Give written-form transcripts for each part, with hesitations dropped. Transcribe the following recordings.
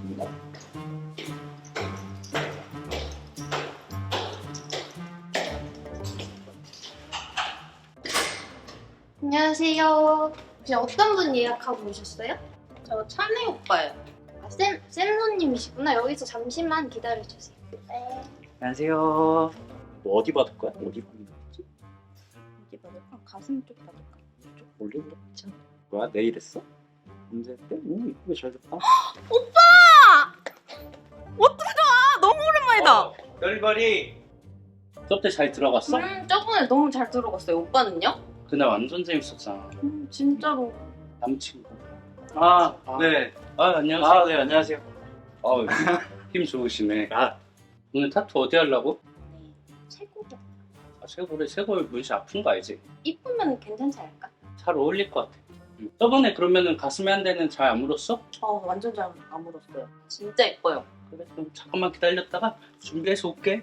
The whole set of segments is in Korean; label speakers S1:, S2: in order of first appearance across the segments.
S1: 안녕하세요. 혹시 어떤 분 예약하고 오셨어요?
S2: 저 찬이 오빠예요.
S1: 아, 쌤손님이시구나. 여기서 잠시만 기다려주세요. 네.
S3: 안녕하세요. 뭐 어디 받을 거야? 어디 받는 거지?
S2: 어디 받을까? 가슴 쪽 받을까?
S3: 좀 올리는 거 있잖아. 뭐야? 내일 했어? 언제 했대? 오, 이쁘게 잘 됐다.
S2: 오빠! 어떻게 좋아? 너무 오랜만이다.
S4: 별별이 수업 때 잘 들어갔어?
S2: 저번에 너무 잘 들어갔어요. 오빠는요?
S4: 그날 완전 재밌었잖아.
S2: 진짜로.
S4: 남친구. 아, 네. 아, 안녕하세요.
S3: 네, 안녕하세요.
S4: 힘 좋으시네.
S3: 아,
S4: 오늘 타투 어디 하려고?
S2: 최고다.
S4: 아, 쇄골에 문신 아픈 거 알지?
S2: 이쁘면 괜찮지 않을까?
S4: 잘 어울릴 것 같아. 저번에 그러면은 가슴에 한 대는 잘 안 물었어?
S2: 완전 잘 안 물었어요. 진짜 예뻐요.
S4: 그래, 그럼 잠깐만 기다렸다가 준비해서 올게.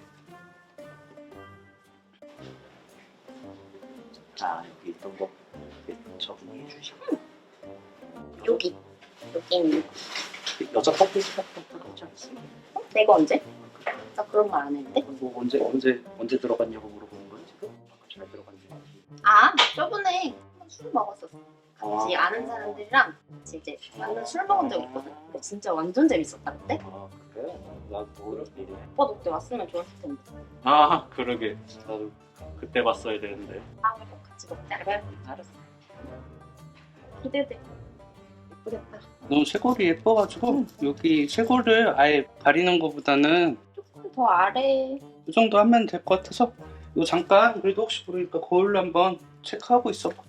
S3: 자, 여기 있던 거 적응해 주시고.
S2: 여기 있는
S3: 여자 커플 같은 거 하지 않았어요?
S2: 내가 언제? 나 그런 말 안 했는데?
S3: 뭐 언제 들어갔냐고 물어보는 거야 지금? 잘 들어갔냐고.
S2: 저번에 술 먹었었어. 같이 아는 사람들이랑 같이 이제 완전 술 먹은 적 있거든. 근데 진짜 완전 재밌었다는데?
S3: 아, 그래? 나도 모를 일이네.
S2: 오빠도 그때 왔으면 좋았을 텐데.
S4: 아, 그러게. 나도 그때 봤어야 되는데.
S2: 다음에 꼭 같이 먹자. 그래? 알았어. 기대돼. 예쁘겠다.
S4: 너무 쇄골이 예뻐가지고 여기 쇄골을 아예 가리는 것보다는
S2: 조금 더 아래.
S4: 이 정도 하면 될 것 같아서 이거 잠깐 그래도 혹시 모르니까 거울로 한번 체크하고 있어봐.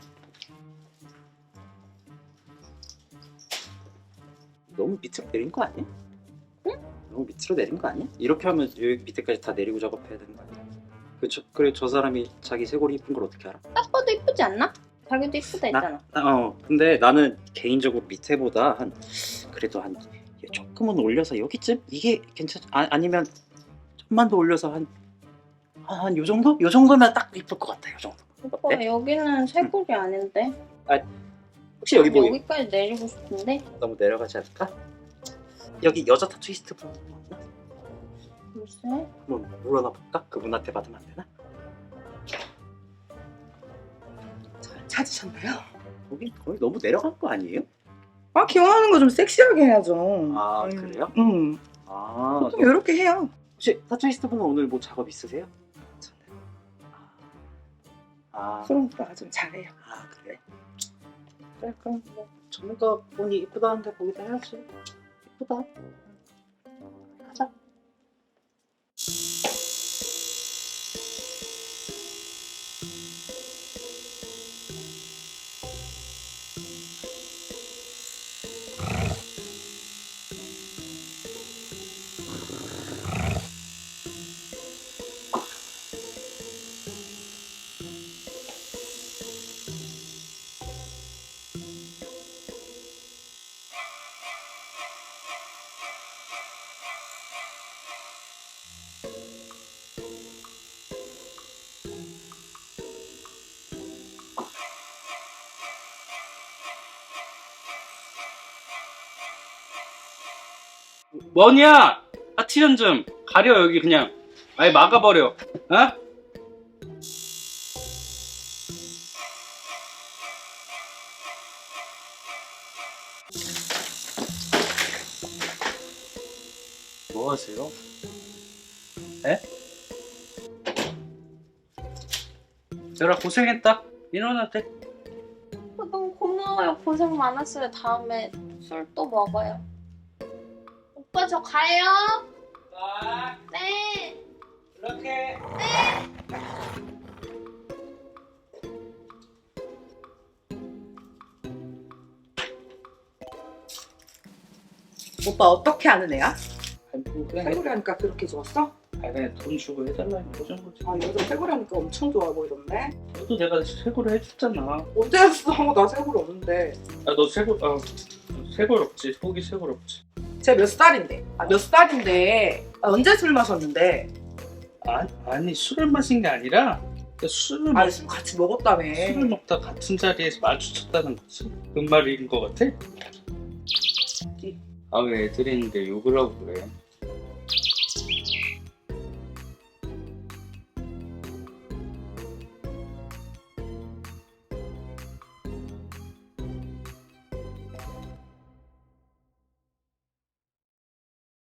S3: 너무 밑으로 내린 거 아니야? 응? 너무 밑으로 내린 거 아니야? 이렇게 하면 여기 밑에까지 다 내리고 작업해야 되는 거 아니야? 그래 저 사람이 자기 쇄골이 이쁜 걸 어떻게 알아?
S2: 딱 봐도 이쁘지 않나? 자기도 이쁘다 했잖아.
S3: 근데 나는 개인적으로 밑에보다 그래도 한 조금은 올려서 여기쯤? 이게 아니면 좀만 더 올려서 한 요 정도? 요 정도면 딱 이쁠 것 같아. 요 정도.
S2: 오빠
S3: 어때?
S2: 여기는 쇄골이 아닌데.
S3: 혹시 여기 뭐
S2: 여기까지 내리고 싶은데.
S3: 너무 내려가지 않을까? 여기 여자 타투이스트 분 없나?
S2: 글쎄.
S3: 한번 물어나 볼까? 그분한테 받으면 안 되나?
S5: 찾으셨나요?
S3: 거기 너무 내려간 거 아니에요?
S5: 기원하는 거 좀 섹시하게 해야죠.
S3: 아, 그래요? 아,
S5: 좀 이렇게 해요.
S3: 혹시 타투이스트 분은 오늘 뭐 작업 있으세요? 아,
S5: 소름 오빠가 좀 잘해요.
S3: 그래? 그래, 그럼 뭐 전문가 분이 이쁘다는데 거기다 해야지. 이쁘다. 가자.
S4: 뭐냐? 파티션 좀 가려. 여기 그냥 아예 막아버려. 어? 뭐 하세요? 에? 얘들아 고생했다. 일어나 돼.
S2: 너무 고마워요. 고생 많았어요. 다음에 술 또 먹어요. 오빠 저 가요.
S4: 아,
S2: 네.
S4: 이렇게.
S5: 오빠 어떻게 아는 애야?
S4: 그냥
S5: 쇄골이 하니까 그렇게 좋았어?
S4: 그냥 돈 주고 해달라는 거죠 거지.
S5: 요즘 쇄골이 하니까 엄청 좋아 보이던데?
S4: 너도 내가 쇄골을 해줬잖아.
S5: 언제 했어? 나 쇄골 없는데.
S4: 너 쇄골 없지. 속이 쇄골 없지.
S5: 쟤 몇 살인데? 몇 살인데? 언제 술 마셨는데?
S4: 아니 술을 마신 게 아니라 술을
S5: 술 같이 먹었다며.
S4: 술을 먹다 같은 자리에서 마주쳤다는 거지. 그 말인 것 같아? 아 왜 애들이 있는데 욕을 하고 그래?